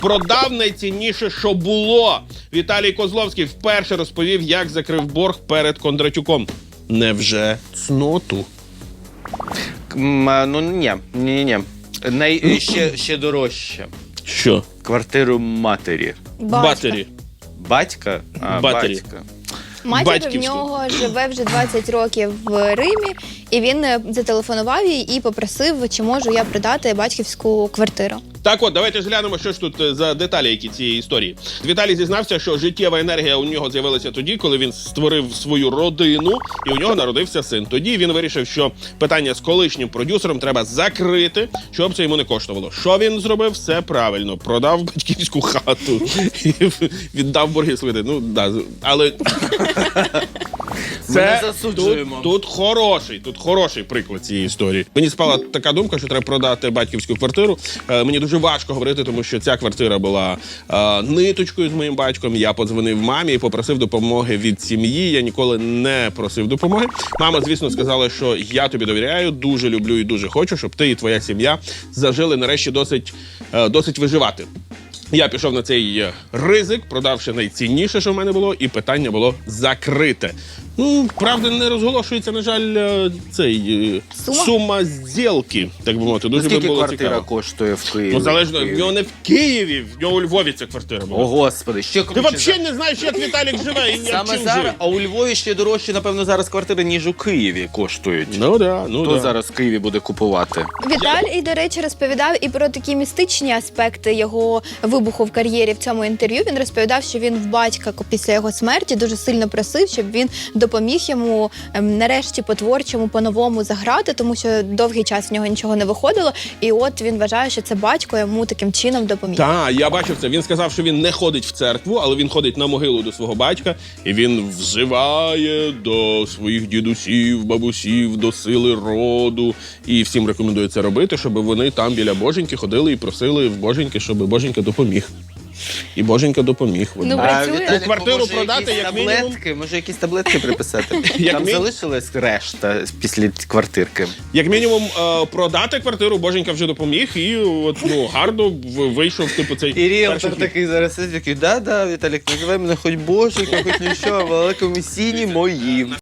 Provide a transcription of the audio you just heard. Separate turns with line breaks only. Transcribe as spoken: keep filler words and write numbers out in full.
Продав найцінніше, що було. Віталій Козловський вперше розповів, як закрив борг перед Кондратюком. Невже цноту?
М, Ну, ні, ні, ні. Най... ще, ще дорожче.
Що?
Квартиру матері.
Батері.
Батька? А,
Батері.
батька.
Матір в
Батьківську.
нього живе вже двадцять років в Римі, і він е, зателефонував їй і попросив, чи можу я продати батьківську квартиру.
Так от, давайте ж глянемо, що ж тут е, за деталі, які цієї історії. Віталій зізнався, що життєва енергія у нього з'явилася тоді, коли він створив свою родину, і у нього народився син. Тоді він вирішив, що питання з колишнім продюсером треба закрити, щоб це йому не коштувало. Що він зробив? Все правильно. Продав батьківську хату і віддав борги свої. Ну, да, але...
Ми не засуджуємо.
Тут, тут хороший, тут хороший приклад цієї історії. Мені спала така думка, що треба продати батьківську квартиру. Е, мені дуже важко говорити, тому що ця квартира була е, ниточкою з моїм батьком. Я подзвонив мамі і попросив допомоги від сім'ї. Я ніколи не просив допомоги. Мама, звісно, сказала, що я тобі довіряю, дуже люблю і дуже хочу, щоб ти і твоя сім'я зажили нарешті досить, е, досить виживати. Я пішов на цей ризик, продавши найцінніше, що в мене було, і питання було закрите. Ну, правда, не розголошується, на жаль, цей
Сума?
сума зділки, так би мовити. Дуже би
Скільки
було
квартира
цікаво.
коштує в Києві?
Ну, залежно, в нього не в Києві, в нього у Львові ця квартира була.
О, Господи, ще
Ти
круче.
взагалі не знаєш, як Віталік живе і як
Саме
чим
зараз,
живе.
а у Львові ще дорожче, напевно, зараз квартири, ніж у Києві коштують.
Ну, да, ну,
Хто
да.
зараз в Києві буде купувати?
Віталій, до речі, розповідав і про такі містичні аспекти його вибуху в кар'єрі в цьому інтерв'ю. Він розповідав, що він в батька після його смерті дуже сильно просив, щоб він допоміг йому ем, нарешті по-творчому, по-новому заграти, тому що довгий час в нього нічого не виходило. І от він вважає, що це батько йому таким чином допоміг.
Так, я бачив це. Він сказав, що він не ходить в церкву, але він ходить на могилу до свого батька, і він взиває до своїх дідусів, бабусів, до сили роду. І всім рекомендує це робити, щоб вони там біля Боженьки ходили і просили в Боженьки, щоб Боженька допоміг. І Боженька допоміг.
Ну,
А
працює.
Віталіку,
Квартиру
може,
продати,
якісь
як мінімум?
таблетки? Може, якісь таблетки приписати?
Як
Там
мі-
залишилась решта після квартирки.
Як мінімум, е, продати квартиру Боженька вже допоміг, і от, ну, гарно в- вийшов типу цей
І
перший
ріелтор
хід.
такий зараз сидить, такий, да-да, Віталік, називай мене хоч Божик, хоч нічого, але комісійні мої.